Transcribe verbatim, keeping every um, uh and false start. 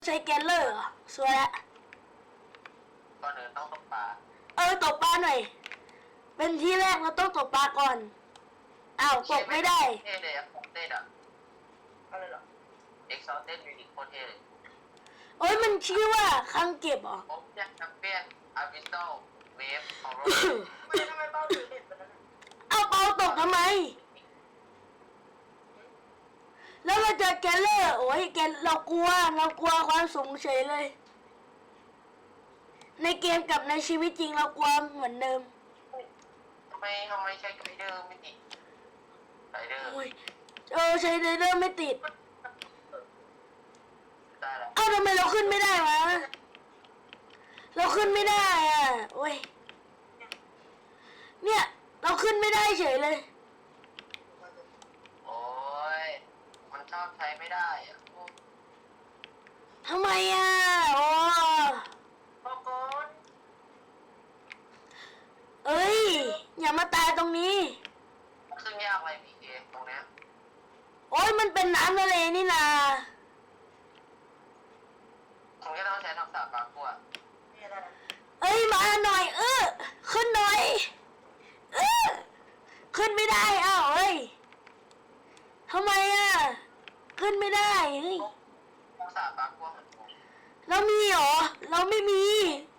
ใช้แกนเลอร์เหรอสวยละก่อนอื่นต้องตกปลาเออตกปลาหน่อยเป็นที่แรกเราต้องตกปลาก่อนอ้าวตกไม่ได้เท่เลยอะโคตรเท่อะอะไรเหรอเอ็กซ์ซอเต้นมิวนิคโคตรเท่เลยโอ้ยมันชื่อว่าคังเก็บเหรอผมอยากแชมเปี้ยนอาร์บิสโตเวฟของโรไม่ทำไมเป้าถือเด็ดแบบนั้นเอาเปาตกทำไมแล้วเราเจอแกนเลอร์โอ้ยแกนเรากลัวเรากลัวความสูงเฉยเลยในเกมกับในชีวิตจริงเรากลัวเหมือนเดิมทำไมทำไมใช้ไกด์เดอร์ไม่ติดไกด์เดอร์โอ้ยเออใช้ไดเดอร์ไม่ติดได้แล้วเอ้าทำไมเราขึ้นไม่ได้วะเราขึ้นไม่ได้อ่ะโอ้ยเนี่ยเราขึ้นไม่ได้เฉยเลยโอ้ยมันชอบใช้ไม่ได้อะทำไมอ่ะโอ้บอกก่อนเอ้ยอย่ามาตายตรงนี้ซึ่งยากอะไรพีเคตรงเนี้ยโอ้ยมันเป็นน้ำทะเลนี่นาคุณก็ต้องใช้ทักษะปากกัวนี่อะไรนะเอ้ยมาหน่อยเออขึ้นหน่อยเออขึ้นไม่ได้อ้าวเอ้ยทำไมอ่ะขึ้นไม่ได้เฮ้ยทักษะปากกัวเหมือนผมเรามีเหรอเราไม่มี